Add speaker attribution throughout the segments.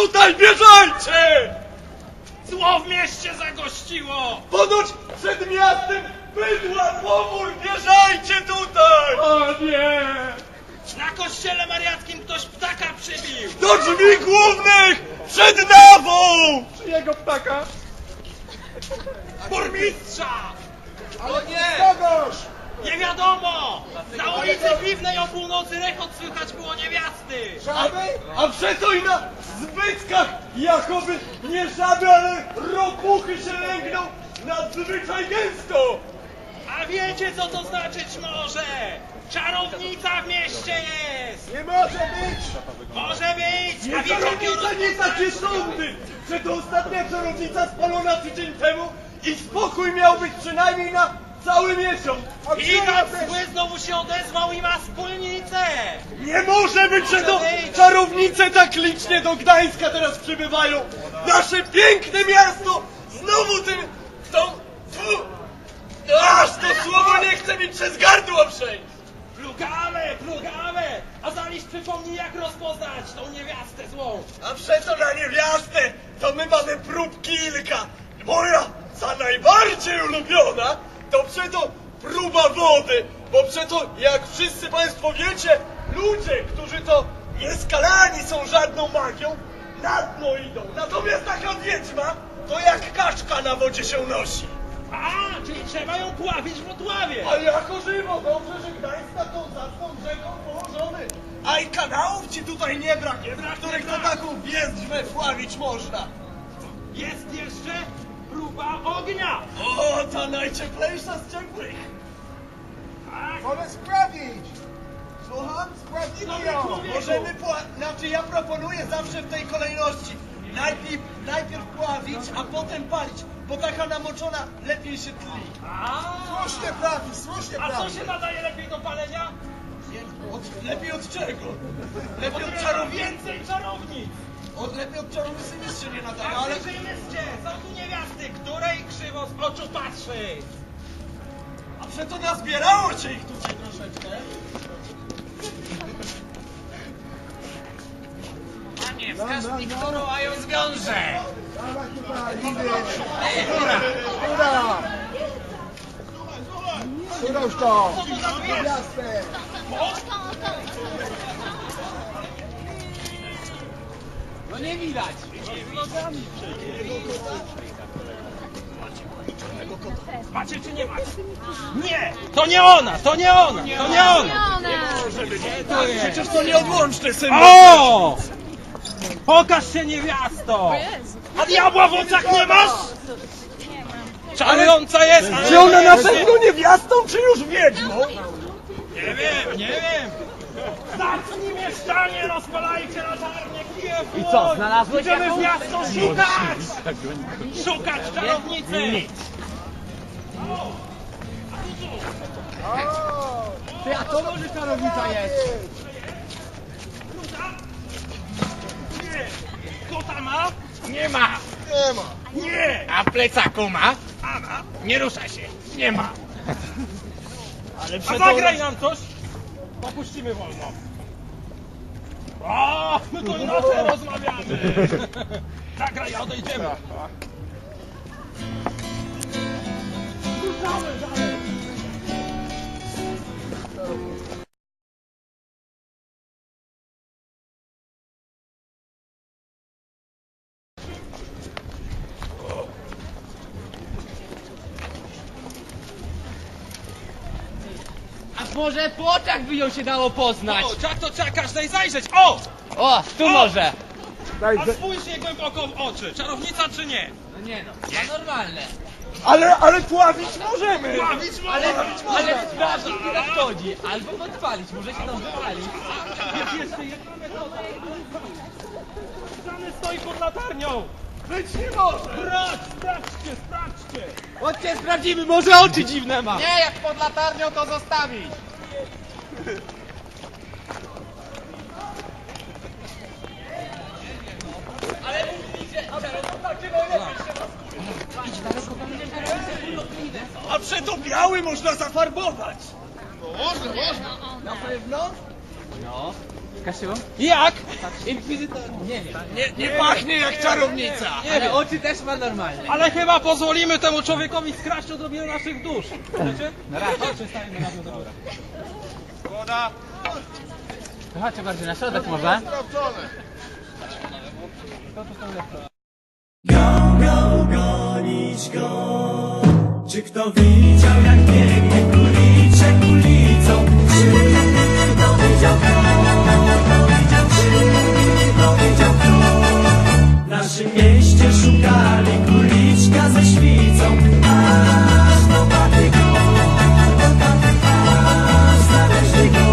Speaker 1: tutaj bieżajcie!
Speaker 2: Zło w mieście zagościło!
Speaker 1: Ponoć przed miastem bydła powór, bieżajcie tutaj!
Speaker 2: O nie! Na kościele mariackim ktoś ptaka przybił!
Speaker 1: Do drzwi głównych! Przed nawą!
Speaker 2: Czyjego ptaka? Burmistrza!
Speaker 1: O nie! Kogoś!
Speaker 2: Nie wiadomo! Na ulicy Piwnej o północy rechot słychać było niewiasty!
Speaker 1: A przeto i na zbytkach jakoby nie żaby, ale ropuchy się lęgną nadzwyczaj gęsto!
Speaker 2: A wiecie co to znaczyć może? Czarownica w mieście jest!
Speaker 1: Nie może być!
Speaker 2: Może być!
Speaker 1: Nie
Speaker 2: A wiecie
Speaker 1: czarownica, nie takie sądy! Że to ostatnia czarownica spalona tydzień temu i spokój miał być przynajmniej na cały miesiąc!
Speaker 2: I tak zły znowu się odezwał i ma wspólnicę!
Speaker 1: Nie może być, że to czarownice tak licznie do Gdańska teraz przybywają! Nasze piękne miasto znowu tym... Aż to słowo nie chce mi przez gardło przejść!
Speaker 2: Plugawę! A zaś przypomnij jak rozpoznać tą niewiastę złą!
Speaker 1: A przeto na niewiastę to my mamy prób kilka! Moja za najbardziej ulubiona to przeto próba wody, bo przeto jak wszyscy państwo wiecie, ludzie, którzy to nieskalani są żadną magią, na dno idą. Natomiast taka wiedźma to jak kaczka na wodzie się nosi.
Speaker 2: A, czyli trzeba ją pławić w Wrocławie!
Speaker 1: A jako żywo, dobrze, że Gdańsk nad tą zacną rzeką położony. A i kanałów ci tutaj nie brak, w których to taką wiezdźmę wławić można.
Speaker 2: Jest jeszcze próba ognia!
Speaker 1: O, ta najcieplejsza z ciepłych.
Speaker 2: Tak?
Speaker 1: Możemy sprawdzić. Słucham? Sprawdzimy ją. Możemy znaczy ja proponuję zawsze w tej kolejności. Najpierw pławić, a potem palić, bo taka namoczona lepiej się tli. Słusznie
Speaker 2: A co się nadaje lepiej do palenia?
Speaker 1: Lepiej od czego? Lepiej od
Speaker 2: Od
Speaker 1: czarownicy.
Speaker 2: więcej czarownic!
Speaker 1: Lepiej od czarownicy nic się nie nadaje,
Speaker 2: Ale
Speaker 1: ale...
Speaker 2: wyjmyście, są tu niewiasty, której krzywo z oczu patrzy!
Speaker 1: A przeto nazbierało cię ich tutaj troszeczkę.
Speaker 2: Panie, wskaż mi, którą, a ją zwiążę!
Speaker 3: Którąż to?
Speaker 2: Co to za dwie?
Speaker 3: Jasne.
Speaker 2: No nie widać! Macie czy nie macie? Nie! To nie ona! To nie ona! To nie ona!
Speaker 1: Przecież to nieodłączny symbol.
Speaker 2: O! Pokaż się niewiasto! A diabła w oczach nie masz? Czarująca jest! ale-
Speaker 1: Czy ona na pewno niewiastą, czy już wiedźmą?
Speaker 2: Nie wiem! Zacznij mieszczanie, rozpalajcie latarnie, kije w
Speaker 4: I co, znalazłeś
Speaker 2: Idziemy w
Speaker 4: jakąś?
Speaker 2: miasto szukać! Szukać czarownicy!
Speaker 4: Ty, a to może czarownica jest?
Speaker 2: Nie! Kota ma?
Speaker 4: Nie ma!
Speaker 2: Nie!
Speaker 4: A plecaku ma?
Speaker 2: A ma?
Speaker 4: Nie rusza się! Nie ma!
Speaker 1: Ale
Speaker 2: A zagraj nam coś! Popuścimy wolno. O, my to inaczej rozmawiamy! Zagraj, a odejdziemy! Ruszamy dalej!
Speaker 4: A może po oczach by ją się dało poznać?
Speaker 2: O, jak to trzeba każdej zajrzeć! O!
Speaker 4: O, tu może!
Speaker 2: A spójrz jej głęboko w oczy! Czarownica czy nie?
Speaker 4: No nie no, to normalne.
Speaker 1: Ale pławić możemy.
Speaker 2: Bawić
Speaker 4: Ale sprawdzić nie nadchodzi. Albo podpalić, może się tam wypalić.
Speaker 2: Jest jeszcze jedna metoda. Strony stoi pod latarnią!
Speaker 1: Być nie może.
Speaker 2: Brać, sprawdźcie!
Speaker 4: Chodźcie, sprawdzimy, może oczy dziwne ma. Nie, jak pod latarnią to zostawić. Ale mówicie,
Speaker 1: A przeto biały można zafarbować.
Speaker 3: Można.
Speaker 1: Na pewno?
Speaker 4: no. Kasiu?
Speaker 2: Jak?
Speaker 4: Inkwizytor. Nie wiem.
Speaker 1: Nie pachnie jak czarownica.
Speaker 4: Ale oczy też ma normalne.
Speaker 2: Ale chyba pozwolimy temu człowiekowi skraść odrobinę naszych dusz. Chcecie?
Speaker 4: Na razie. Chodźcie, staniemy na dół.
Speaker 2: Zgoda.
Speaker 4: To chodźcie bardziej na środek może.
Speaker 3: Gonić go. Czy kto widział, jak biegnie kuliczek ulicą? Czy kto widział kto? Kto widział kto? W naszym mieście szukali kuliczka ze świcą, aż dopadli go, aż znaleźli go.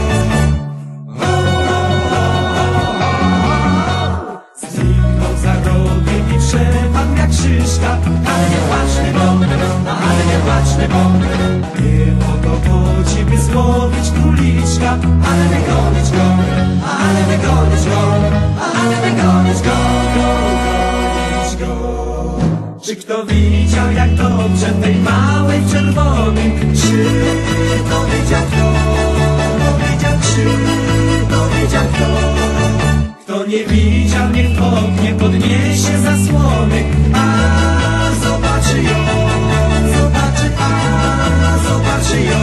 Speaker 3: Zniknął za rogiem i przepadł jak szyszka. Ale nie płaczny bąk, ale nie płaczny bąk. Nie o to chodzi, by złowić króliczka. Ale wygonić go, ale wygonić go, ale wygonić go, gonić go. Czy kto widział, jak dobrze tej małej w czerwonym? Czy to wiedział kto? Czy to wiedział kto? Kto nie widział, niech w oknie podniesie zasłony, a zobaczy ją, zobaczy, a zobaczy ją.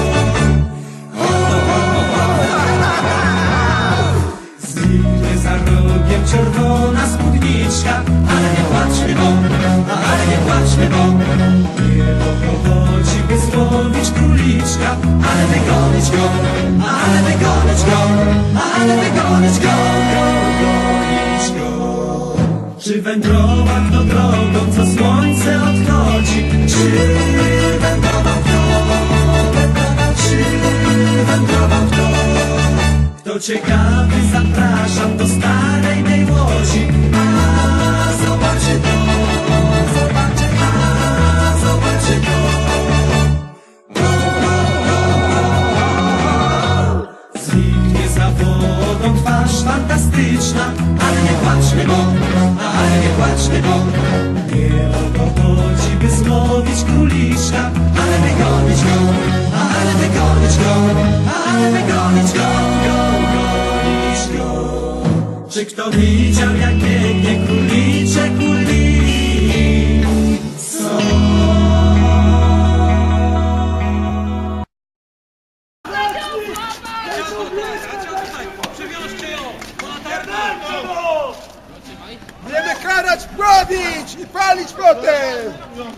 Speaker 3: Zniknie za rogiem czerwona spódniczka, ale nie płaczmy bąk, ale nie płaczmy bąk. Nie o to chodzi, by złowić króliczka, ale wygonić go, ale wygonić go, ale wygonić go, gonić go. Czy wędrował kto drogą, co słońce odchodzi? Czy wędrował kto? Czy wędrował kto? Kto ciekawy, zapraszam do starej mej łodzi, a zobaczy to, zobaczy, a zobaczy to. Zniknie za wodą twarz fantastyczna, ale nie płaczmy bąk, ale nie płaczmy bąk. Nie o to chodzi, by złowić króliczka, ale wygonić go, ale wygonić go, ale wygonić go, gonić go. Czy kto widział, jak biegnie króliczek ulicą?
Speaker 2: Przywiążcie ją! Po laternę!
Speaker 5: Będziemy karać, pławić i palić potem!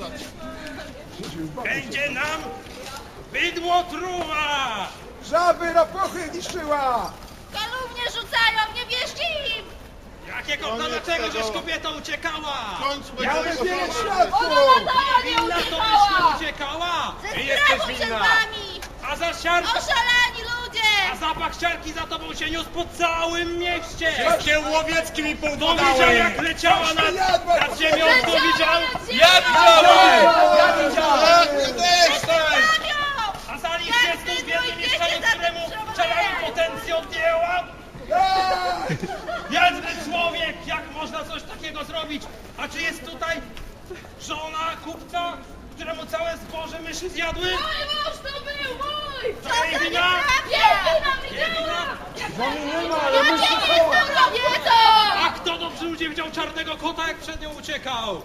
Speaker 2: Będzie nam bydło truła!
Speaker 5: Żaby na pochy niszczyła!
Speaker 6: Kalumnie rzucają, nie wierzcie im!
Speaker 2: Jakiego, dlaczego żeś kobieta uciekała?
Speaker 5: Mamy wiele świadków!
Speaker 6: Ona latała, nie
Speaker 2: Winna to byś
Speaker 6: uciekała!
Speaker 2: nie uciekała!
Speaker 6: Ze strachu przed wami!
Speaker 2: A za siarkę,
Speaker 6: Oszalani ludzie!
Speaker 2: a zapach siarki za tobą się niósł po całym mieście!
Speaker 1: Wszystkie łowiecki mi
Speaker 2: Kto
Speaker 1: powodały.
Speaker 2: widział, jak leciała nad ziemią? Kto widział?
Speaker 6: Ja
Speaker 1: widziałem! Ty też tak!
Speaker 2: A zaliście znów w jednym mieszkaniu, któremu czarami potencję odjęła? Biedny człowiek! Jak można coś takiego zrobić? A czy jest tutaj żona kupca, któremu całe zboże myszy zjadły?
Speaker 6: Mój mąż to był mój! Co
Speaker 2: To jej
Speaker 6: za
Speaker 2: wina?
Speaker 6: nieprawda!
Speaker 2: Jej wina?
Speaker 6: Ja nie jestem kobietą!
Speaker 2: A kto dobrze ludzie widział czarnego kota, jak przed nią uciekał?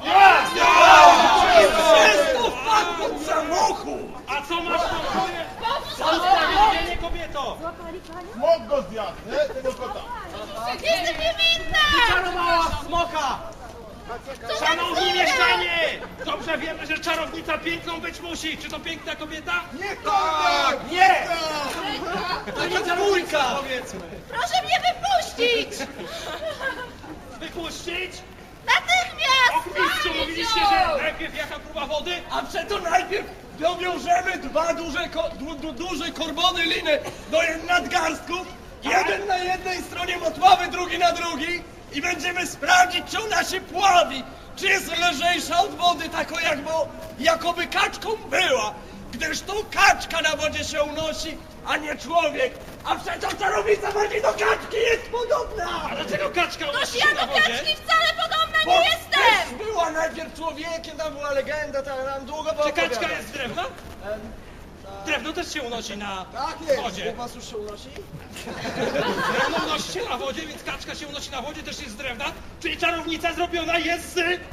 Speaker 1: Wszystko wpadł pod samochód!
Speaker 2: A co masz na sobie? Za usprawiedliwienie, kobieto!
Speaker 5: Smok go zjadł, nie? Tego kota.
Speaker 6: Jestem niewinna!
Speaker 2: Czarowała smoka!
Speaker 6: Co za
Speaker 2: Szanowni
Speaker 6: bzdury!
Speaker 2: mieszczanie! Dobrze wiemy, że czarownica piękną być musi. Czy to piękna kobieta?
Speaker 5: Nie koniak!
Speaker 2: Nie! To nie czarownica! Powiedzmy.
Speaker 6: Proszę mnie wypuścić!
Speaker 2: Wypuścić?
Speaker 6: Natychmiast!
Speaker 2: Och, mistrzu,
Speaker 6: Palić
Speaker 2: mówiliście,
Speaker 6: ją!
Speaker 2: że najpierw jaka próba wody?
Speaker 1: A przeto najpierw dowiążemy dwa duże korbony liny do nadgarstków. Jeden na jednej stronie motławy, drugi na drugiej. I będziemy sprawdzić, czy ona się pławi. Czy jest lżejsza od wody, taką jakoby kaczką była. Gdyż to kaczka na wodzie się unosi, a nie człowiek. A przecież czarownica bardziej do kaczki jest podobna.
Speaker 2: A dlaczego kaczka
Speaker 6: Toż
Speaker 2: unosi
Speaker 6: ja
Speaker 2: się na
Speaker 6: do
Speaker 2: wodzie?
Speaker 6: kaczki wcale podobna
Speaker 1: Bo
Speaker 6: nie jestem!
Speaker 1: też była najpierw człowiekiem, tam była legenda, tam długo było
Speaker 2: Czy kaczka
Speaker 1: opowiadać.
Speaker 2: jest z drewna? Drewno też się unosi na
Speaker 5: Tak jest.
Speaker 2: wodzie.
Speaker 5: Was już się unosi?
Speaker 2: Drewno unosi się na wodzie, więc kaczka się unosi na wodzie, też jest z drewna. Czyli czarownica zrobiona jest z...
Speaker 4: Czyli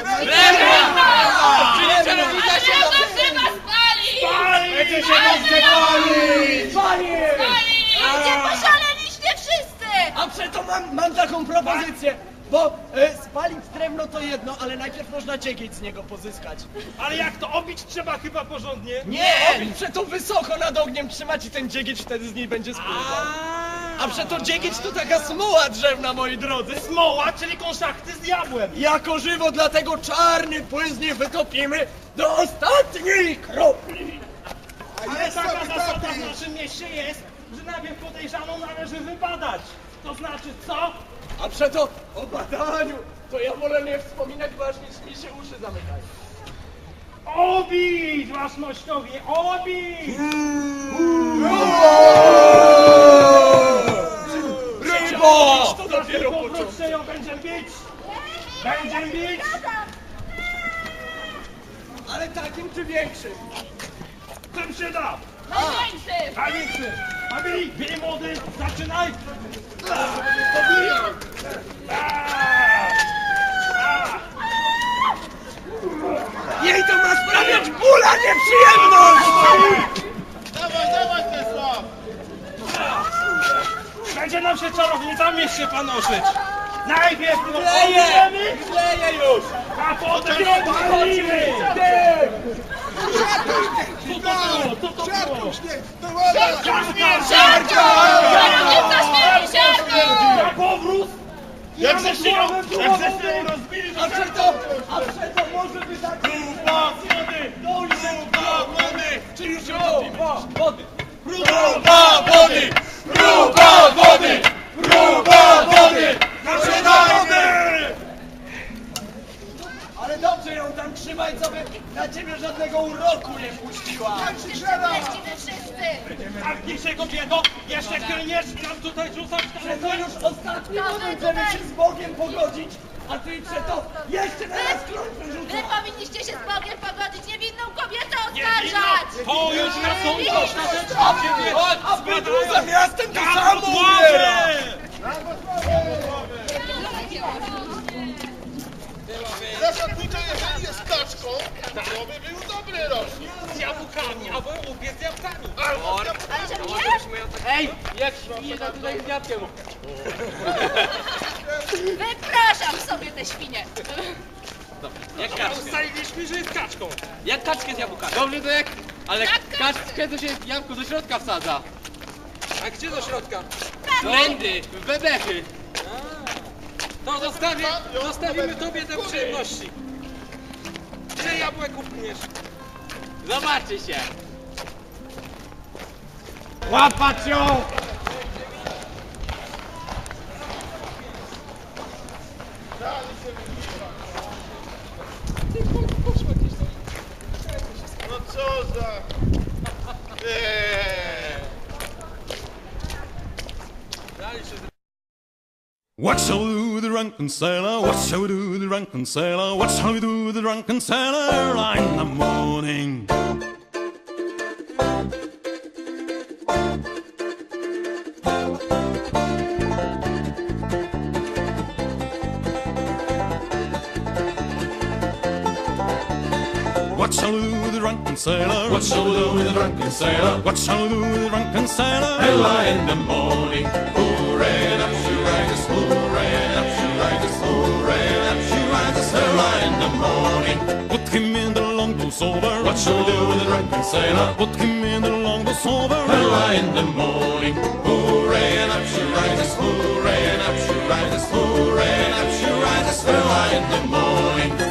Speaker 4: czarownica się
Speaker 6: Drewno chyba spali!
Speaker 2: Będzie się
Speaker 6: Spali! Nie poszaleliście wszyscy!
Speaker 7: A przeto mam taką propozycję, bo spalić drewno to jedno, ale najpierw można dziegieć z niego pozyskać.
Speaker 2: Ale jak to obić trzeba chyba porządnie?
Speaker 7: Nie! Przeto wysoko nad ogniem trzymać i ten dziegieć wtedy z niej będzie spływał. A przeto dziegieć to taka smuła drzewna, moi drodzy.
Speaker 2: Smoła, czyli konszachty z diabłem.
Speaker 7: Jako żywo, dlatego czarny płyn z niej wytopimy do ostatniej kropli.
Speaker 2: Ale taka zasada w naszym mieście jest, że najpierw podejrzaną należy wybadać. To znaczy co?
Speaker 7: A przeto o badaniu to ja wolę nie wspominać, bo aż mi się uszy zamykają.
Speaker 2: Obić, waszmościowie, obić!
Speaker 7: Rybo! To dopiero
Speaker 2: Po
Speaker 7: początek.
Speaker 2: krótszej będziemy bić! Będziemy bić!
Speaker 7: Ale takim czy większym?
Speaker 2: Czym się da?
Speaker 6: Największy!
Speaker 2: Największy! A bij młody, zaczynaj!
Speaker 7: Jej to ma sprawiać ból, a nie przyjemność!
Speaker 2: Będzie nam się czarownica w mieście panoszyć! Najpierw ją
Speaker 7: Kleję!
Speaker 2: obijemy,
Speaker 7: Kleję już!
Speaker 2: a potem ją palimy! Co to było?
Speaker 5: Siarką śnieg! To woda!
Speaker 6: Siarko! Czarownica śmieje siarką!
Speaker 2: Na powrót! Jak ze się ją rozbili,
Speaker 7: A przeto może by tak...
Speaker 2: Próba wody! Próba wody!
Speaker 7: Czy już ją wody?
Speaker 2: Próba wody! Próba wody! Próba wody! Zaczynajmy!
Speaker 7: Ale dobrze ją tam trzymaj, co by na ciebie żadnego uroku nie puściła.
Speaker 6: Jesteśmy wszyscy!
Speaker 2: Zamknij się kobieto! Jeszcze klniesz nam tutaj rzucać
Speaker 7: Przeto już ostatni moment, żeby się z Bogiem pogodzić, a ty przeto jeszcze teraz klątwę
Speaker 6: Wy
Speaker 7: rzucasz.
Speaker 6: powinniście się z Bogiem pogodzić, niewinną kobietę oskarżać!
Speaker 2: To już na sąd ostatecznie ciebie
Speaker 7: A wy tu za miastem to
Speaker 2: na
Speaker 7: samo
Speaker 2: podłogę!
Speaker 7: umiera.
Speaker 8: Zasadniczo, jeżeli jest kaczką, to by był dobry rocznik.
Speaker 2: Z jabłkami, albo łupiec z jabłkami.
Speaker 6: Ale że mnie?
Speaker 4: Ej, jak świnie, to tutaj z jabłkiem.
Speaker 6: Wypraszam sobie te świnie!
Speaker 4: Jak kaczkę.
Speaker 2: Ustaliliśmy, że jest kaczką.
Speaker 4: Jak kaczkę z jabłkami. Dobrze to jak... Ale
Speaker 6: Jak
Speaker 4: kaczkę to się jabłko do środka wsadza.
Speaker 2: A gdzie do środka?
Speaker 4: Blendy, w bebechy.
Speaker 2: To zostawimy tobie te przyjemności. Ile jabłek upniesz?
Speaker 4: Zobaczy się.
Speaker 2: Łapać ją!
Speaker 8: No co za...
Speaker 9: What shall we do with the drunken sailor? What shall we do with the drunken sailor? What shall we do with the drunken sailor early in the morning? What shall we do with the drunken sailor? What shall we do with the drunken sailor? What shall we do with the drunken sailor? Early in the morning, hooray, and up she rises, hooray, and up she rises, hooray, and up she rises, early in the morning. Put him in the longboat sober. What shall we do with the drunken sailor? Put him in the longboat sober. Early in the morning, hooray, and up she rises, hooray, and up she rises, hooray, and up she rises, early in the morning.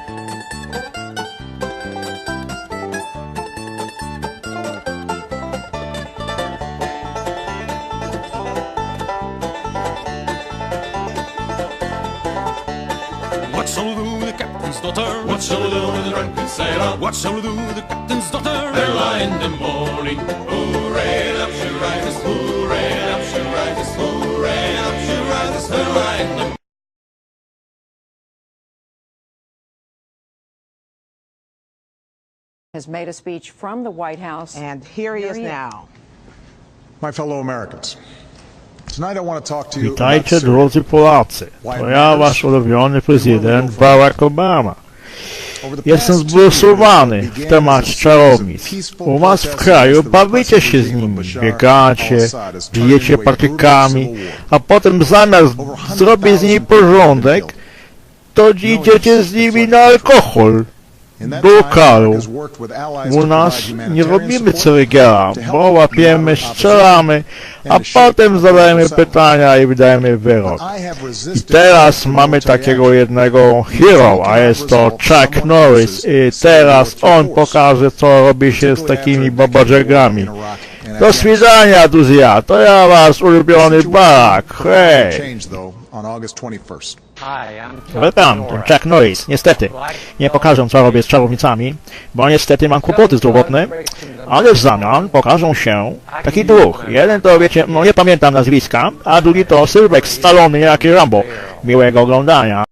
Speaker 9: What shall we do with the captain's daughter? What shall we do with the drunken sailor? What shall we do with the captain's daughter? Early in the morning, hooray, and up she rises, hooray, and up she rises, hooray, and up she rises, early in the
Speaker 10: has made a speech from the White House.
Speaker 11: And here he is now.
Speaker 12: My fellow Americans, tonight I want to talk to you
Speaker 13: Witajcie
Speaker 12: about
Speaker 13: drodzy Polacy, to ja wasz ulubiony prezydent Barack Obama. Jestem zbulwersowany w temacie czarownic. U was w kraju bawicie się z nimi, biegacie, bijecie patykami, a potem zamiast zrobić z nimi porządek, to idziecie z nimi na alkohol, do lokalu. U nas nie robimy ceregiela, bo łapiemy, strzelamy, a potem zadajemy pytania i wydajemy wyrok. I teraz mamy takiego jednego hero, a jest to Chuck Norris i teraz on pokaże, co robi się z takimi babadżegami. Do widzenia, Duzja, to ja wasz ulubiony Barack, hej! Witam, to Chuck Norris. Niestety, nie pokażę, co robię z czarownicami, bo niestety mam kłopoty zdrowotne, ale w zamian pokażą się taki duch. Jeden to, wiecie, no nie pamiętam nazwiska, a drugi to Sylwek Stallone, jak i Rambo. Miłego oglądania.